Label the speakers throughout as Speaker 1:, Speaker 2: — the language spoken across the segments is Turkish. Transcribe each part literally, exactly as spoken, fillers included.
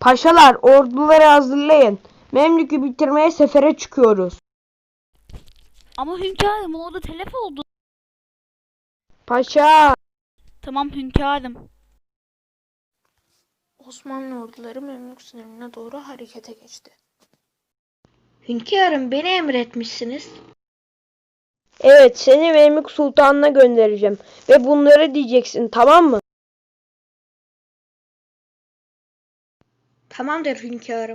Speaker 1: Paşalar, orduları hazırlayın. Memlük'ü bitirmeye sefere çıkıyoruz.
Speaker 2: Ama hünkârım orada telef oldu.
Speaker 1: Paşa.
Speaker 2: Tamam hünkârım.
Speaker 3: Osmanlı orduları Memlük sınırına doğru harekete geçti.
Speaker 4: Hünkârım, beni emretmişsiniz.
Speaker 1: Evet, seni Memlük Sultan'ına göndereceğim. Ve bunları diyeceksin, tamam mı?
Speaker 4: Tamamdır hünkârım.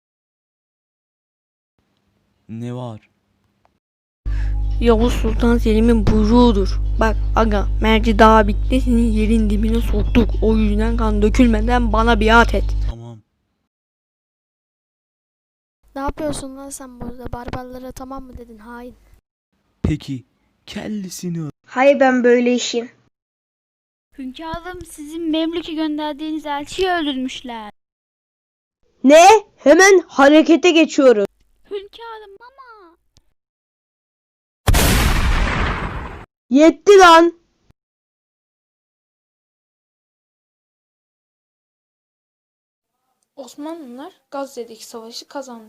Speaker 5: Ne var?
Speaker 6: Yavuz Sultan Selim'in buyruğudur. Bak aga, merci daha bitti, seni yerin dibine soktuk. O yüzden kan dökülmeden bana biat et.
Speaker 5: Tamam.
Speaker 7: Ne yapıyorsun lan sen burada? Barbarlara tamam mı dedin hain?
Speaker 5: Peki kellesini al.
Speaker 4: Hayır, ben böyle işin.
Speaker 2: Hünkârım sizin Memlük'e gönderdiğiniz elçiyi öldürmüşler.
Speaker 1: Ne? Hemen harekete geçiyoruz.
Speaker 2: Hünkârım ama.
Speaker 1: Yetti lan.
Speaker 3: Osmanlılar Gazze'deki savaşı kazandı.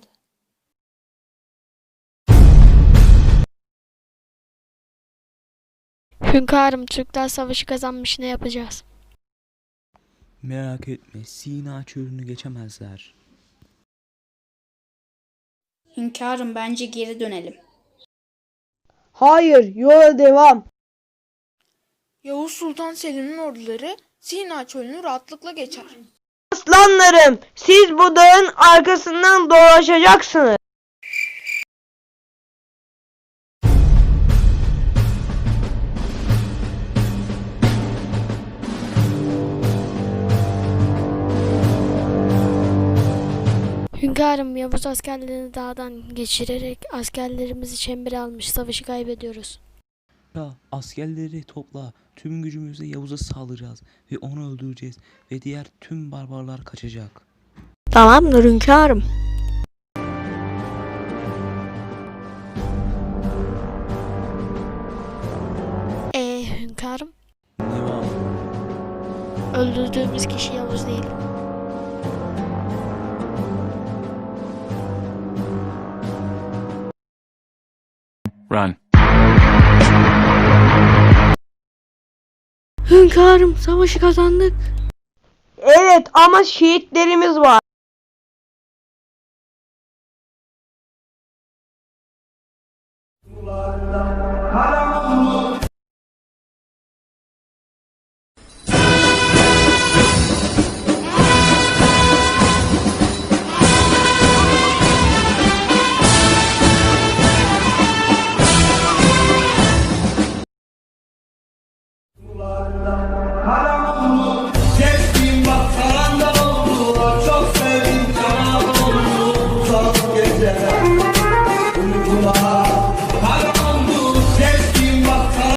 Speaker 7: Hünkârım, Türkler savaşı kazanmış, ne yapacağız?
Speaker 5: Merak etme, Sina çölünü geçemezler.
Speaker 8: Hünkârım, bence geri dönelim.
Speaker 1: Hayır, yola devam.
Speaker 3: Yavuz Sultan Selim'in orduları Sina çölünü rahatlıkla geçer.
Speaker 1: Aslanlarım, siz bu dağın arkasından dolaşacaksınız.
Speaker 7: Hünkârım, Yavuz askerlerini dağdan geçirerek askerlerimizi çembere almış, savaşı kaybediyoruz.
Speaker 5: Ya askerleri topla, tüm gücümüzle Yavuz'a saldıracağız ve onu öldüreceğiz ve diğer tüm barbarlar kaçacak.
Speaker 6: Tamamdır hünkârım.
Speaker 7: Ee hünkârım,
Speaker 5: Ne var?
Speaker 7: öldürdüğümüz kişi Yavuz değil.
Speaker 9: Run.
Speaker 6: Hünkârım, savaşı kazandık.
Speaker 1: Evet ama şehitlerimiz var.